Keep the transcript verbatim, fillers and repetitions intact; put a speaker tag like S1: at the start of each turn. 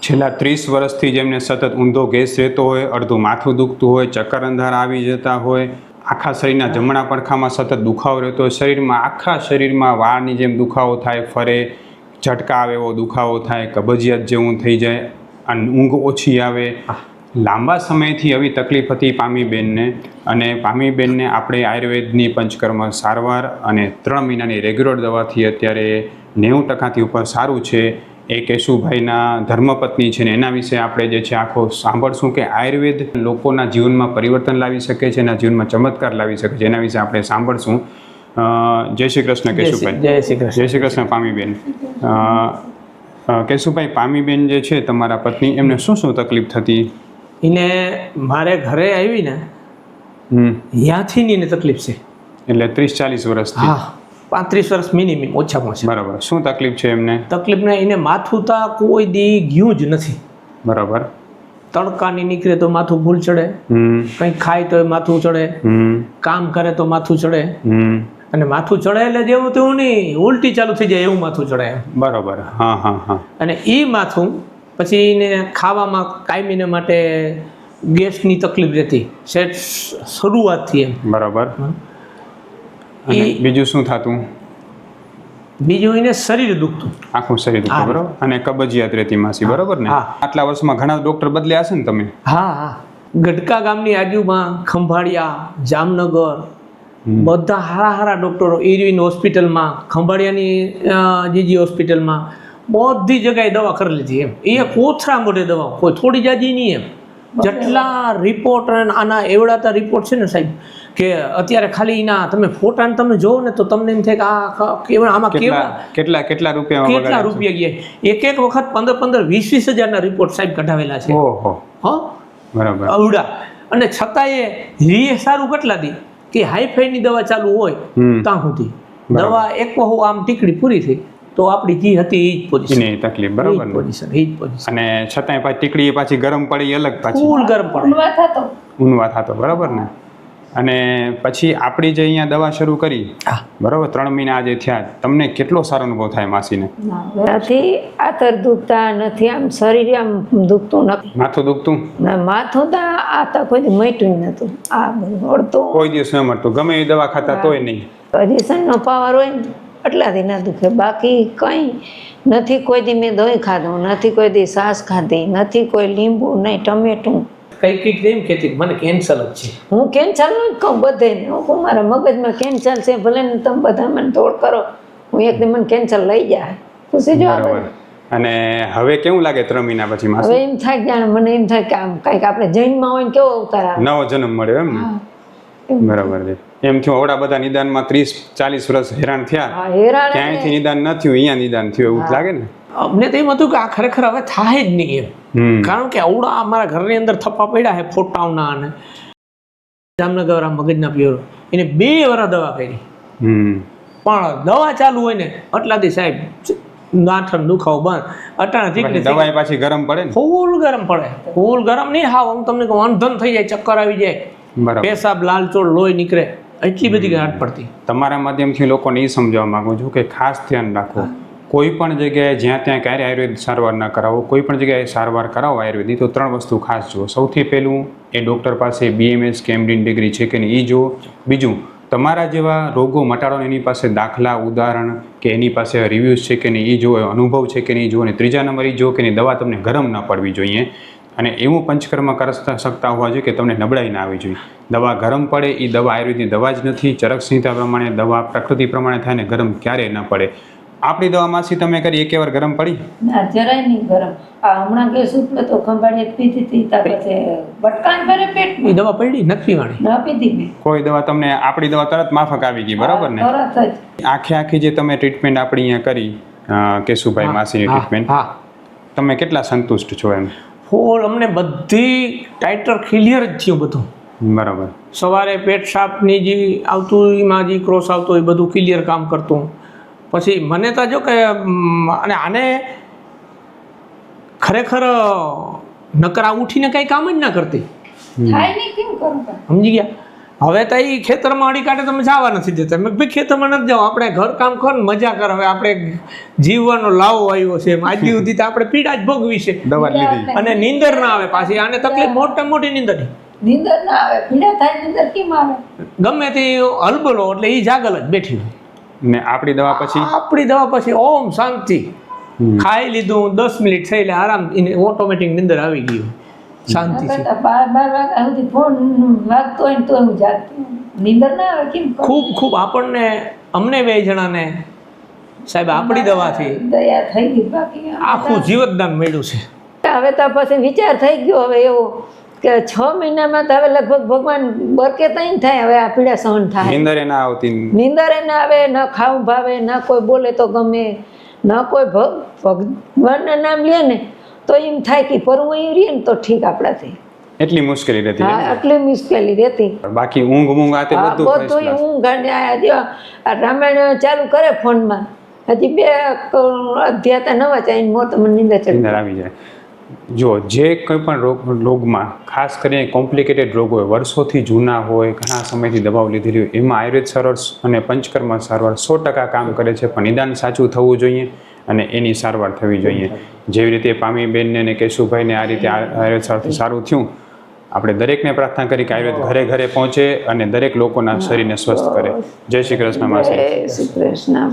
S1: છેલ્લા ત્રીસ વર્ષથી જેમને સતત ઊંધો ગેસ રહેતો હોય, અડધું માથું દુખતું હોય, ચક્કર અંધાર આવી જતા હોય, આખા શરીરના જમણા પડખામાં સતત દુખાવો રહેતો હોય, શરીરમાં આખા શરીરમાં વાળની જેમ દુખાવો થાય, ફરે, ઝટકા આવે એવો દુખાવો થાય, કબજિયાત જેવું થઈ જાય, અને ઊંઘ ઓછી આવે, લાંબા સમયથી આવી તકલીફ હતી પામીબેનને. અને પામીબેનને આપણે આયુર્વેદની પંચકર્મ સારવાર અને ત્રણ મહિનાની રેગ્યુલર દવાથી અત્યારે નેવું ટકાથી ઉપર સારું છે. એ કેશુભાઈના ધર્મપત્ની છે ને એના વિશે આપણે જે છે આખો સાંભળશું કે આયુર્વેદ લોકોના જીવનમાં પરિવર્તન લાવી શકે છે, એના જીવનમાં ચમત્કાર લાવી શકે છે, એના વિશે આપણે સાંભળશું. જય શ્રી કૃષ્ણ કેશુભાઈ.
S2: જય શ્રી કૃષ્ણ.
S1: જય શ્રી કૃષ્ણ પામીબેન. કેશુભાઈ, પામીબેન જે છે તમારા પત્ની, એમને શું શું તકલીફ થતી?
S2: એને મારે ઘરે આવી ને
S1: હમ
S2: ત્યાંથી ની એને તકલીફ છે.
S1: એટલે ત્રીસ ચાલીસ વર્ષથી?
S2: હા, પાંત્રીસ વર્ષ મિનિમમ ઓછામાં ઓછા.
S1: બરાબર. શું તકલીફ છે એમને?
S2: તકલીફ ને એને માથું તા કોઈ દી ગયું જ નથી.
S1: બરાબર.
S2: તડકાની નીકળે તો માથું ભૂલ ચડે,
S1: હમ
S2: કંઈક ખાય તો માથું ચડે,
S1: હમ
S2: કામ કરે તો માથું ચડે,
S1: હમ
S2: અને માથું ચડે એટલે જેવું તેવું નહીં, ઉલટી ચાલુ થઈ જાય એવું માથું ચડે.
S1: બરાબર. હા હા હા.
S2: અને એ માથું પછી એને ખાવામાં કાયમીને માટે ગેસની તકલીફ રહેતી સેટ શરૂઆતથી એમ.
S1: બરાબર. અને બીજું શું થતું?
S2: બીજું એને શરીર દુખતું,
S1: આખું શરીર દુખતું. બરાબર. અને કબજિયાત રહેતી માસી. બરાબર ને? આટલા વર્ષમાં ઘણા ડોક્ટર બદલ્યા હશે ને તમે?
S2: હા હા. ગઢકા ગામની આજુમાં ખંભાળિયા, જામનગર બધા હારા હારા ડોક્ટરો, ઇરવિન હોસ્પિટલમાં, ખંભાળિયાની જીજી હોસ્પિટલમાં, બધી જગ્યાએ દવા કરી લીધી એમ. એ કોથરા મોઢે દવા, કોઈ થોડી જાજી નહીં એમ. જેટલા રિપોર્ટ આના એવડાતા રિપોર્ટ છે ને સાહેબ, કે અત્યારે ખાલી એના તમે ફોટાને તમે જોવો ને તો તમને એમ થાય કે આ કેવડા આમાં કેવડા
S1: કેટલા કેટલા રૂપિયા
S2: કેટલા રૂપિયા ગયા. એક એક વખત પંદર પંદર વીસ વીસ હજારના રિપોર્ટ સાહેબ કઢાવેલા છે.
S1: ઓહો.
S2: હા
S1: બરાબર.
S2: અવડા. અને છતાંય રીએ સારું કેટલા દી કે હાઈફાઈની દવા ચાલુ હોય ત્યાં સુધી દવા એક વહુ આમ ટીકડી પૂરી થઈ તો આપણી જી હતી એ જ પોઝિશન.
S1: એની તકલીફ. બરાબર.
S2: પોઝિશન એ જ પોઝિશન.
S1: અને છતાંય પાછી ટીકડી પાછી ગરમ પડી અલગ, પાછી
S2: ફૂલ ગરમ પડે,
S3: ઊંઘવા થતો.
S1: ઊંઘવા થતો. બરાબર ને? અને પછી આપણી જે અહીંયા દવા શરૂ કરી, બરાબર, ત્રણ મહિના આજે થયા, તમને કેટલો સારો અનુભવ થાય માસીને?
S3: નથી આતર દુખતા નથી, આમ શરીર આમ દુખતું નથી.
S1: માથું દુખતું?
S3: ના, માથું તો આ તો કોઈ મટ્યું નતું. આ બધું અડતું
S1: કોઈ દિવસ ન મળતું, ગમે એ દવા ખાતા તોય નહીં?
S3: પોઝિશનનો પાવર હોય ને એટલાથી ના દુખે, બાકી કંઈ નથી. કોઈ દી મેં દહીં ખાધું નથી, કોઈ દી છાશ ખાધી નથી, કોઈ લીંબુ નહીં, ટમેટું.
S2: કઈ કઈક એમ કહેતી મને કેન્સર જ છે.
S3: હું કેન્સર નું જ કહું બધે. હું મારા મગજમાં કેન્સર છે, ભલે ને તમે બધા મને તોડ કરો, હું એકદમ મને કેન્સર લઈ જાય. પૂછી જો.
S1: અને હવે કેવું લાગે ત્રણ મહિના પછી?
S3: હવે એમ થાય જાણે મને એમ થાય કે આમ કઈક આપણે જૈનમાં હોય ને કેવો અવતાર આવે,
S1: નવો જન્મ મળ્યો એમ ને? બરાબર છે. એમ થયું આવડા બધા નિદાનમાં ત્રીસ ચાલીસ વર્ષ હેરાન થયા, ક્યાંયથી નિદાન ન થયું, અહીંયા નિદાન થયું એવું લાગે ને?
S2: અમને તો એમ હતું કે આ ખરેખર હવે થાય જ નહીં એમ. કારણ કે આવડા અમારા ઘરની અંદર થપ્પા પડ્યા છે ફોટાઓના. અને જામનગર આ મગજના પિયરો એને બે વાર દવા કરી, પણ દવા ચાલુ હોય ને એટલાથી સાહેબ ગાંઠણ દુખાવો બંધ. અટાણે
S1: દવા પાછી ગરમ પડે ને?
S2: ફૂલ ગરમ પડે. ફૂલ ગરમ નહીં, હા હું તમને કહું અંધન થઈ જાય, ચક્કર આવી જાય, પેશાબ લાલચોળ લોહી નીકળે, એટલી બધી ગાંઠ પડતી.
S1: તમારા માધ્યમથી લોકોને એ સમજાવવા માંગુ છું કે ખાસ ધ્યાન રાખો, કોઈ પણ જગ્યાએ જ્યાં ત્યાં ક્યારે આયુર્વેદ સારવાર ના કરાવો. કોઈ પણ જગ્યાએ સારવાર કરાવો આયુર્વેદની તો ત્રણ વસ્તુ ખાસ જુઓ. સૌથી પહેલું, એ ડૉક્ટર પાસે બીએમએસ કે એમડી ડિગ્રી છે કે નહીં એ જુઓ. બીજું, તમારા જેવા રોગો મટાડો એની પાસે દાખલા ઉદાહરણ કે એની પાસે રિવ્યૂઝ છે કે નહીં એ જુઓ, અનુભવ છે કે નહીં જુઓ. અને ત્રીજા નંબર એ જુઓ કે એની દવા તમને ગરમ ના પડવી જોઈએ. અને એવું પંચકર્મ કરી શકતા હોવા જોઈએ કે તમને નબળાઈ ના આવી જોઈએ. દવા ગરમ પડે એ દવા આયુર્વેદની દવા જ નથી. ચરક સંહિતા પ્રમાણે દવા પ્રકૃતિ પ્રમાણે થાય ને ગરમ ક્યારેય ન પડે. આપણી દવા માસી તમે કરી એક વાર ગરમ પડી?
S3: ના, જરાય નહીં ગરમ. આ હમણાં ગેસ ઉપડે તો ખંભાળીએ પીધી હતી, ત્યાર પછી બટકાન ભરે પેટ
S2: એ દવા પડી નથી પીવાની,
S3: ના પીધી મેં.
S1: કોઈ દવા તમને આપણી દવા તરત માફક આવી ગઈ? બરાબર ને?
S3: તરત જ
S1: આખે આખી જે તમે ટ્રીટમેન્ટ આપણી અહીંયા કરી કેશુભાઈ માસીની ટ્રીટમેન્ટ, તમે કેટલા સંતુષ્ટ છો એમ?
S2: ફૂલ. અમને બધી ટાઇટર ક્લિયર જ થયું બધું.
S1: બરાબર.
S2: સવારે પેટ સાફની જે આવતું એમાં જે ક્રોસ આવતો એ બધું ક્લિયર કામ કરતું. પછી મને તો જો કે અને આને ખરેખર નકર આ ઉઠીને કંઈ કામ જ ના કરતી.
S3: થાય નહીં કેમ કરું?
S2: સમજી ગયા? હવે તો એ ખેતરમાં અડી કાઢે તમે જવા નથી દેતા મેં ભાઈ ખેતરમાં નથી જાવ આપણે ઘર કામ કર ને મજા કર હવે આપણે જીવવાનો લાવો આવ્યો છે એમ આજ સુધી તો આપણે પીડા જ ભોગવી છે
S1: દવા લીધી
S2: અને નીંદર ના આવે પાછી આને તકલીફ મોટા મોટી નીંદર
S3: નીંદર ના આવે પીડા થાય નીંદર કેમ આવે
S2: ગમે તે હલબલો એટલે એ જાગલ જ બેઠી હોય
S1: ને આપણી દવા પછી
S2: આપણી દવા પછી ઓમ શાંતિ ખાઈ લીધું દસ મિનિટ થઈ એટલે આરામ ઓટોમેટિક નીંદર આવી ગયું શાંતિ છે
S3: બાર બાર વાગ્યા સુધી ફોન વાગતો હોય ને તો હું જાગતી હોઉં. નીંદર ના આવે કેમ
S2: ખૂબ ખૂબ આપણને અમને બે જણાને સાહેબ આપણી દવાથી
S3: દયા થઈ ગઈ બાકી
S2: આખું જીવતદાન મળ્યું છે
S3: હવે તો પછી વિચાર થઈ ગયો હવે એવો કે છ મહિનામાં તો હવે લગભગ ભગવાન બરકે તઈ થાય હવે આ પીડા સહન થાય
S1: નીંદરે ના આવતી
S3: નીંદરે ના આવે ન ખાવું ભાવે ન કોઈ બોલે તો ગમે ન કોઈ ભગ- ભગવાનના નામ લે ને તો એમ થાય કે પરવું એવું રહીએ ને તો ઠીક આપણાથી
S1: એટલી મુશ્કેલી રહેતી
S3: હા આટલી મુશ્કેલી રહેતી
S1: બાકી ઊંઘ મૂંઘ આ તે
S3: હા
S1: બધું
S3: બધું
S1: first class.
S3: ઊંઘ અને આ જો આ રામાયણ ચાલુ કરે ફોનમાં હજી બે અધ્યાય તો નવા ચાઈને મોત મને નીંદર ચડી
S1: નીંદર આવી જાય જો જે કોઈ પણ રોગ રોગમાં ખાસ કરીને કોમ્પ્લિકેટેડ રોગ હોય વર્ષોથી જૂના હોય ઘણા સમયથી દવાઓ લીધેલી હોય એમાં આયુર્વેદ સારવાર અને પંચકર્મ સારવાર સો ટકા કામ કરે છે પણ નિદાન સાચું થવું જોઈએ અને એની સારવાર થવી જોઈએ જેવી રીતે પામીબેનને ને કેશુભાઈને આ રીતે આ- આયુર્વેદ સારવારથી સારું થયું આપણે દરેકને પ્રાર્થના કરી કે આયુર્વેદ ઘરે ઘરે પહોંચે અને દરેક લોકોના શરીરને સ્વસ્થ કરે જય શ્રી કૃષ્ણ માસી
S3: જય શ્રી કૃષ્ણ